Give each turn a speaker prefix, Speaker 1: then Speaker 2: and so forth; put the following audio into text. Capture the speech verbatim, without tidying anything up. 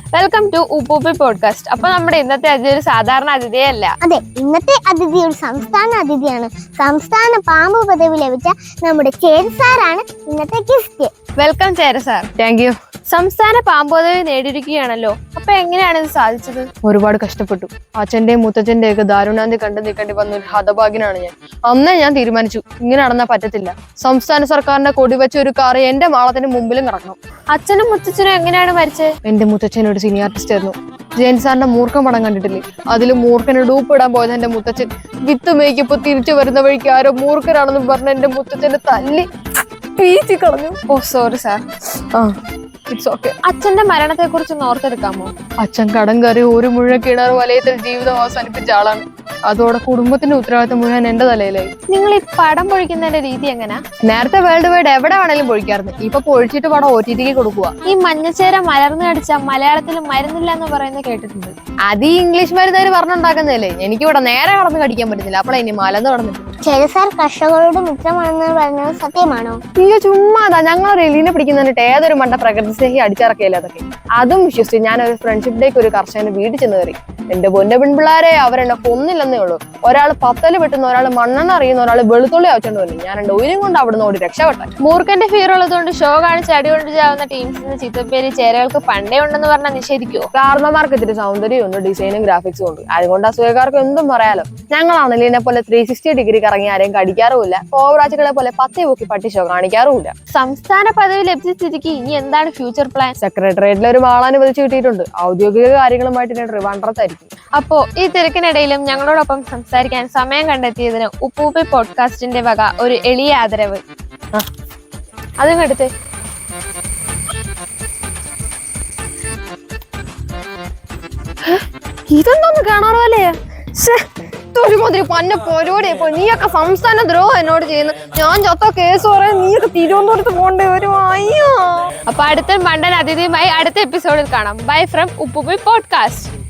Speaker 1: Welcome to ഉപ്പൂപ്പി podcast. അപ്പൊ നമ്മുടെ ഇന്നത്തെ അതിഥി ഒരു സാധാരണ അതിഥിയല്ല.
Speaker 2: അതെ, ഇന്നത്തെ അതിഥി ഒരു സംസ്ഥാന അതിഥിയാണ്. സംസ്ഥാന പാമ്പ് പദവി ലഭിച്ച നമ്മുടെ ചേരി സാറാണ് ഇന്നത്തെ guest.
Speaker 1: Welcome Chera sir.
Speaker 3: Thank you.
Speaker 1: സംസ്ഥാന പാമ്പ് പദവി നേടിയിരിക്കുകയാണല്ലോ. അപ്പൊ എങ്ങനെയാണ് ഇത് സാധിച്ചത്?
Speaker 3: ഒരുപാട് കഷ്ടപ്പെട്ടു. അച്ഛന്റെയും മുത്തച്ഛന്റെയും ഒക്കെ ദാരുണാന്തി കണ്ടു നിൽക്കേണ്ടി വന്ന ഒരു ഹതഭാഗ്യനാണ് ഞാൻ. അന്നേ ഞാൻ തീരുമാനിച്ചു, ഇങ്ങനെ നടന്നാൽ പറ്റത്തില്ല. സംസ്ഥാന സർക്കാരിന്റെ കൊടി വെച്ച ഒരു കാറ് എന്റെ മാളത്തിന് മുമ്പിലും കിടക്കണം.
Speaker 1: അച്ഛനും മുത്തച്ഛനും എങ്ങനെയാണ് മരിച്ചത്?
Speaker 3: എന്റെ മുത്തച്ഛൻ ഒരു സീനിയർ ആർട്ടിസ്റ്റ് ആയിരുന്നു. ജയൻ സാറിന്റെ മൂർഖം പടം കണ്ടിട്ടില്ലേ? അതിൽ മൂർഖന് ഡൂപ്പ് ഇടാൻ പോയത് എന്റെ മുത്തച്ഛൻ. വിത്ത് മേക്കിപ്പോ തിരിച്ചു വരുന്ന വഴിക്ക് ആരോ മൂർഖനാണെന്ന് പറഞ്ഞ എന്റെ മുത്തച്ഛന്റെ തല്ലി പീച്ചി കളഞ്ഞു.
Speaker 1: ഓ സോറി സാർ.
Speaker 3: ആ ഇറ്റ്സ് ഓക്കെ.
Speaker 1: അച്ഛന്റെ മരണത്തെ കുറിച്ച് ഓർത്തെടുക്കാമോ?
Speaker 3: അച്ഛൻ കടം കയറി ഒരു മുഴുവൻ കിണർ വലയത്തിൽ ജീവിതം അവസാനിപ്പിച്ച ആളാണ്. അതോടെ കുടുംബത്തിന്റെ ഉത്തരവാദിത്തം മുഴുവൻ എന്റെ തലയിലായി.
Speaker 1: നിങ്ങൾ ഈ പടം പൊഴിക്കുന്നതിന്റെ രീതി എങ്ങനെയാ?
Speaker 3: നേരത്തെ വേൾഡ് വൈഡ് എവിടെ വേണേലും പൊഴിക്കാറുണ്ട്. ഇപ്പൊ പൊഴിച്ചിട്ട് പടം ഒ ടി ടിക്ക് കൊടുക്കുക.
Speaker 1: ഈ മഞ്ഞച്ചേര മലർന്നു കടിച്ച മലയാളത്തിൽ മരുന്നില്ല എന്ന് പറയുന്നത് കേട്ടിട്ടുണ്ട്.
Speaker 3: അത് ഈ ഇംഗ്ലീഷ് മരുന്നുകാർ പറഞ്ഞുണ്ടാക്കുന്നതല്ലേ. എനിക്ക് ഇവിടെ നേരെ കടന്ന് കടിക്കാൻ പറ്റുന്നില്ല. അപ്പോഴേ ഇനി മലന്ന് കടന്നിട്ട്.
Speaker 2: ചേരി സാർ കർഷകരുടെ മിത്രമാണെന്ന് പറഞ്ഞത് സത്യമാണോ?
Speaker 3: അയ്യോ ചുമ്മാതാ. ഞങ്ങൾ എലീനെ പിടിക്കുന്നതിട്ട് ഏതൊരു മണ്ട പ്രകൃതി സ്നേഹി അടിച്ചിറക്കിയല്ലേ അതൊക്കെ. അതും വിശ്വസിച്ച് ഞാൻ ഒരു ഫ്രണ്ട്ഷിപ്പ് ഡേക്ക് ഒരു കർഷകന് വീട്ടിൽ ചെന്ന് കയറി. എന്റെ പൊന്നെ പെൺപിള്ളാരെ അവരെന്നെ കൊന്നില്ലെന്നേ ഉള്ളൂ. ഒരാൾ പത്തല് വെട്ടുന്ന, ഒരാൾ മണ്ണെണ്ണ അറിയുന്ന, ഒരാൾ വെളുത്തുള്ളി ആവശ്യമുണ്ട് വന്നു. ഞാൻ എന്റെ ഉയരം കൊണ്ട് അവിടെ നിന്ന് ഓടി രക്ഷപ്പെട്ടെ.
Speaker 1: മൂർഖന്റെ ഫീർ ഉള്ളതുകൊണ്ട് ഷോ കാണിച്ച് അടികൊണ്ട് ചാവുന്ന ടീംസിന് ചിത്തപ്പേര് ചേരകൾക്ക് പണ്ടേ ഉണ്ടെന്ന് പറഞ്ഞാൽ നിഷേധിക്കുവോ?
Speaker 3: കാരണന്മാർക്ക് ഇത്തിരി സൗന്ദര്യം ഉണ്ട്, ഡിസൈനും ഗ്രാഫിക്സും ഉണ്ട്. അതുകൊണ്ട് അസൂയക്കാർക്ക് എന്തും പറയാലോ. ഞങ്ങളാണെങ്കിൽ ഇതിനെ പോലെ ത്രീ സിക്സ്റ്റി ഡിഗ്രി കറങ്ങി ആരെയും കടിക്കാറുമില്ല. കോവറാച്ചുകളെ പോലെ പത്തി പൊക്കി പട്ടി ഷോ കാണിക്കാറുമില്ല.
Speaker 1: സംസ്ഥാന പദവി ലഭിച്ച സ്ഥിതിക്ക് ഇനി എന്താണ് ഫ്യൂച്ചർ പ്ലാൻ?
Speaker 3: സെക്രട്ടേറിയറ്റിൽ ഒരു മാളാനുവദിച്ച് കിട്ടിയിട്ടുണ്ട്. ഔദ്യോഗിക കാര്യങ്ങളുമായിട്ട് ഞാൻ ട്രിവാൻഡ്രത്തായിരിക്കും.
Speaker 1: അപ്പോ ഈ തിരക്കിനിടയിലും ഞങ്ങളോടൊപ്പം സംസാരിക്കാൻ സമയം കണ്ടെത്തിയതിന് ഉപ്പൂപ്പി പോഡ്കാസ്റ്റിന്റെ വക ഒരു എളിയ ആദരവ്. അതും എടുത്തേ.
Speaker 3: ഇതെന്തോന്ന് കാണാറല്ലേ? ഒരുമാതിരി പന്ന പരിപാടി. ഇപ്പൊ നീയൊക്കെ സംസ്ഥാന ദ്രോഹം എന്നോട് ചെയ്യുന്നു. ഞാൻ ചത്ത കേസ് പറയാൻ നീയൊക്കെ തിരുവനന്തപുരത്ത് പോകേണ്ടി വരും. അയ്യോ.
Speaker 1: അപ്പൊ അടുത്ത മണ്ടൻ അതിഥിയുമായി അടുത്ത എപ്പിസോഡിൽ കാണാം. Bye from Uppuppi podcast.